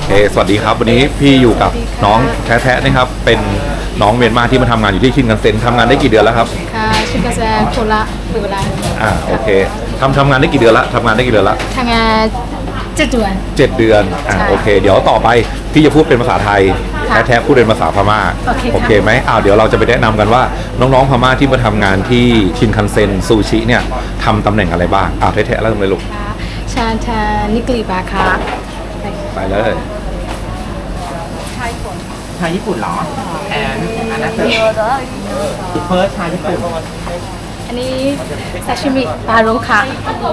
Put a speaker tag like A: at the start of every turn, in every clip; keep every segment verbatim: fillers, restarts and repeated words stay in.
A: เคสวัสดีครับวันนี้พี่อยู่กับน้องแท้ๆนะครับเป็นน้องเมียนมาที่มาทำงานอยู่ที่ชินคันเซ็นทำงานได้กี่เดือนแล้วครับ
B: ค่ะชินคันเซ็นโคราชเปิดร้าน
A: อ่าโอเคทำทำงานได้กี่เดือนละทำงานได้กี่เดือนละ
B: ทำงานเจ็ดเดือน
A: เจ็ดเดือนอ่าโอเคเดี๋ยวต่อไปพี่จะพูดเป็นภาษาไทยแท้ๆพูดเป็นภาษาพม่าโอเคไหมอ้าวเดี๋ยวเราจะไปแนะนำกันว่าน้องๆพม่าที่มาทำงานที่ชินคันเซ็นซูชิเนี่ยทำตำแหน่งอะไรบ้างอ้าวแท้ๆเริ่มเลยลูก
B: ชาทานิกลีบาค่ะ
A: ไปเลย
C: ชาญี่ปุ่นเหรอแอนอันนั้นคือเฟิร์สชาญี่ปุ่น
B: อันนี้ซาชิมิปลาโรค่ะ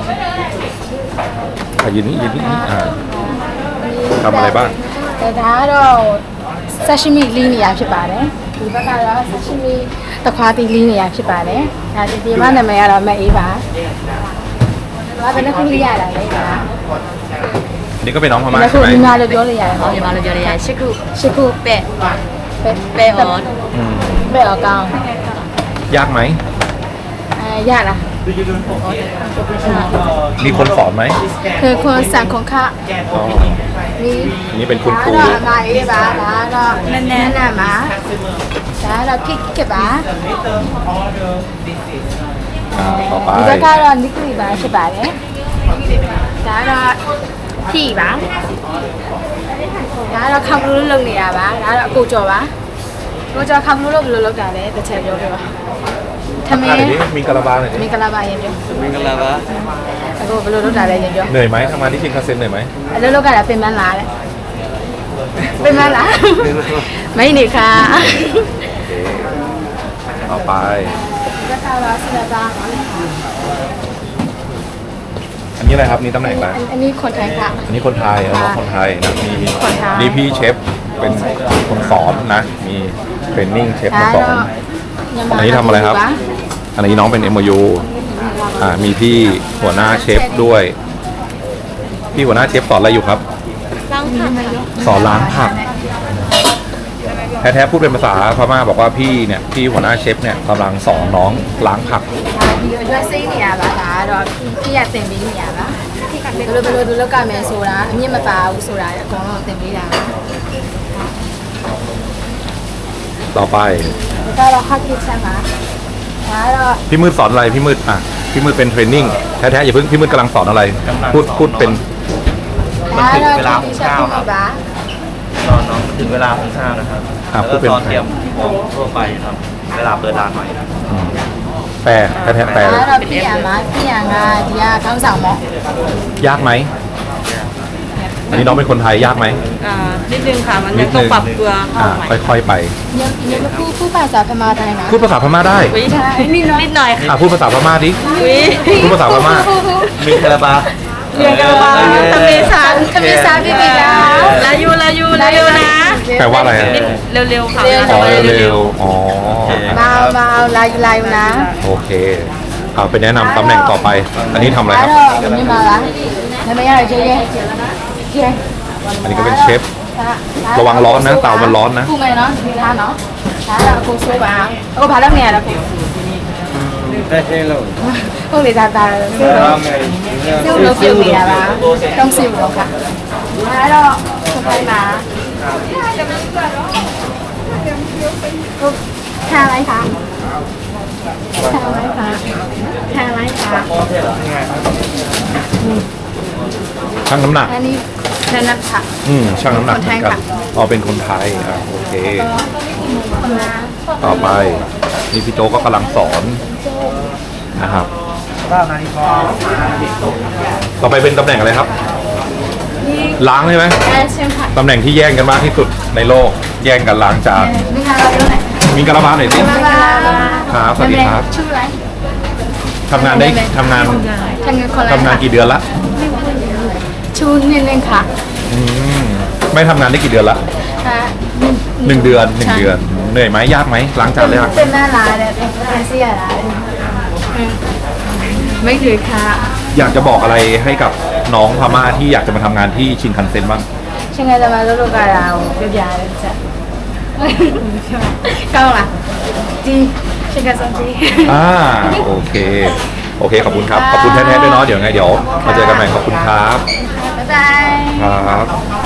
A: อ่ะยืนนี่ยืนนี่อ่าทำอะไรบ้าง
B: แต่ถ้าเราซาชิมิลีนียาဖြစ်ပါတယ်ဒီဘက်ကတော့ซาชิมิတခွားတီลีนียาဖြစ်ပါတယ်ဒါဒီဒီမှာနာမည်ကတော့မအေးပါဘာပဲနဲ့ခုလေးရတာလေဒါ
A: นี่ก็เป็นน้องพม่า
B: ใช่ไหมมีมาเลยပြောเลยရတယ်ဟော
D: မြန်မာလိုပြောရရင်ရှစ်ခု
B: ရှစ်ခု
D: ပဲ့
B: ပဲ
D: ပဲ့ဟော
B: ပဲออกကောင်း
A: ยากไหม
B: အဲရလား
A: มีคนสอนไหม
B: คือคนสั่งของข้า
A: อ๋อ
B: นี่
A: นี่เป็นคุณครู
B: มาเอ๋บ้าบ้าก็แน่นๆนะมาจ้าเราพริกเก็บบ้า
A: อ่าต่อไป
B: ဒီဘက်ကတော့နိကလီပါဖြစ်ပါတယ်ဒါကတော့ဖြီပါဒါကတော့ခမ်ဘလူးလုပ်နေရပါဒါကတော့အကိုကျော်ပါကိုကျော်ခမ်ဘလူးလုပ်ဘယ်လိုလုပ်တာလဲတစ်ချက်ပြောပြပါသမင်း
A: มีกะลาบาหน่อยดิ
B: မင်္ဂလာပါရင်ပြော
C: မင်္ဂလာပါ
B: အခုဘယ်လိုလုပ်တာလဲရင်ပြော
A: เหนื่อยไหมทำงานที่ชินคันเซ็นเหนื่อยไหม
B: အလုပ်လုပ်ကြတာပြင်ပန်းလာတဲ့ပြင်ပန်းလာမင်းနေခါ
A: ต่อไป
B: ဘက်ကတော့ဆရာသား
A: อันนี้อะไรครับนี่ตำแหน่งอะไร
B: อันนี้คนไทยค่ะ
A: อันนี้คนไทยเออคนไทยนะมี
B: คนไทย
A: นี่พี่เชฟเป็นคนสอนนะมีเทรนนิ่งเชฟมาสอนอันนี้ทำอะไรครับอันนี้น้องเป็น เอ็ม โอ ยู อ่ามีพี่หัวหน้าเชฟด้วยพี่หัวหน้าเชฟสอนอะไรอยู่ครับ
D: ล้างผัก
A: สอนล้างผักแท้ๆพูดเป็นภาษาพม่าบอกว่าพี่เนี่ยพี่หัวหน้าเชฟเนี่ยกำลังสอนน้องล้างผัก
B: ဒီရွက်စိမ့်နေရပါဒါကတော့ပြည့်ရတင်ပေးနေရပါဘယ်လိုဘယ်လိုဒီလောက်ကမယ်ဆိုတာအမြင့်မပါဘူးဆိုတာအကုန်လုံးတင်ပေးတာ
A: ต่อไป
B: ဒါကတော့ hot kitchen ပါဒါကတော့
A: พี่มืดสอนอะไรพี่มืดอ่ะพี่มืดเป็นเทรนนิ่งแท้ๆอย่าเพิ่งพี่มืดกำลังสอนอะไรพูดพูดเป็น
C: มันถึงเวลาของข้าวครับตอนน้องถึงเวลาของข้าวนะครับแล้วก็ตอนเตรียมของทั่วไปครับเวลาเปิดร้านใหม่
A: แปลแท้ๆแปล
B: ဒါကတော့ပြည့်ရမှာပြည့်ရကဒီကခေါင်းဆောင်မော့
A: ยากไหมอันนี้น้องเป็นคนไทยยากไหม
D: อ่านิดนึงค่ะมันยังต้องปรับตัวเข้าใหม่
A: ค่อยๆไป
B: ยังยังพูดพูดภาษาพม่าได้นะ
A: พูดภาษาพม่าได้
D: ใช่นิดหน่อยนิดหน่อย
A: อ่ะพูดภาษาพม่าดิพูดภาษาพม่า
C: มีกระบา
D: เรียนกันมาทำเมษา
B: ทำเมษาพี่ปีดา
D: ลายูลายูลายูนะ
A: แปลว่าอะไร
D: เร็วๆค่ะ
A: อ๋อเร็วๆอ๋อ
B: มามาลายลายนะ
A: โอเคเอาไปแนะนำตำแหน่งต่อไปอันนี้ทำอะไรครับ
B: อันนี้มาละทำไมอะไรเจ๊เจ๊เจ๊
A: อันนี้ก็เป็นเชฟระวังร้อนนะเตามันร้อนนะ
B: พูดไงเนาะทานเนาะทานแล้วกูสู้บ้างแล้วก็พาแล้วเนี่ยแล้วกู
C: ได้ใช่หรอ
B: พวกเด็กตาตาซิ่วซิ่วเราซิ่วเบียร์ละต้องซิ่วเราค่ะแล้วคนไทยมาทานอะไรคะทานอะไรคะทานอะไรคะ
A: ช่างน้ำหนัก
B: อันนี้ช่างน้ำหนัก
A: อืมช่างน้ำหนักเหมือนกันอ๋อเป็นคนไทยอ่ะโอเคต่อไปนี่พี่โจก็กำลังสอนนะครับต่อไปเป็นตำแหน่งอะไรครับล้างใช่ไหมตำแหน่งที่แย่งกันมากที่สุดในโลกแย่งกันล้างจานมีกระบาหน่อยสิครับสวัสดีครับ
B: ชื่ออะไร
A: ทำงานได้ทำงานทำงานกี่เดือนละ
B: ชูนิดนึงค่ะ
A: อืมไม่ทำงานได้กี่เดือนละหนึ่งเดือนหนึ่งเดือนเหนื่อยไหมยากไหมล้างจานเลยครับ
B: เป็นหน้าร้านเนี่ยเป็นเสียร้านไม่ถือค่ะ
A: อยากจะบอกอะไรให้กับน้องพม่าที่อยากจะมาทำงานที่ชินคันเซ็นบ้าง
B: ชินคันเซ็นมาลูกๆกันเราเดี๋ยวๆเลยจ้ะก้าวล่ะจีชินคันเซ็นจี
A: อ่าโอเคโอเคขอบคุณครับขอบคุณแท้ๆด้วยเนาะเดี๋ยวไงเดี๋ยวมาเจอกันใหม่ขอบคุณครับ
B: บ๊ายบาย
A: ครับ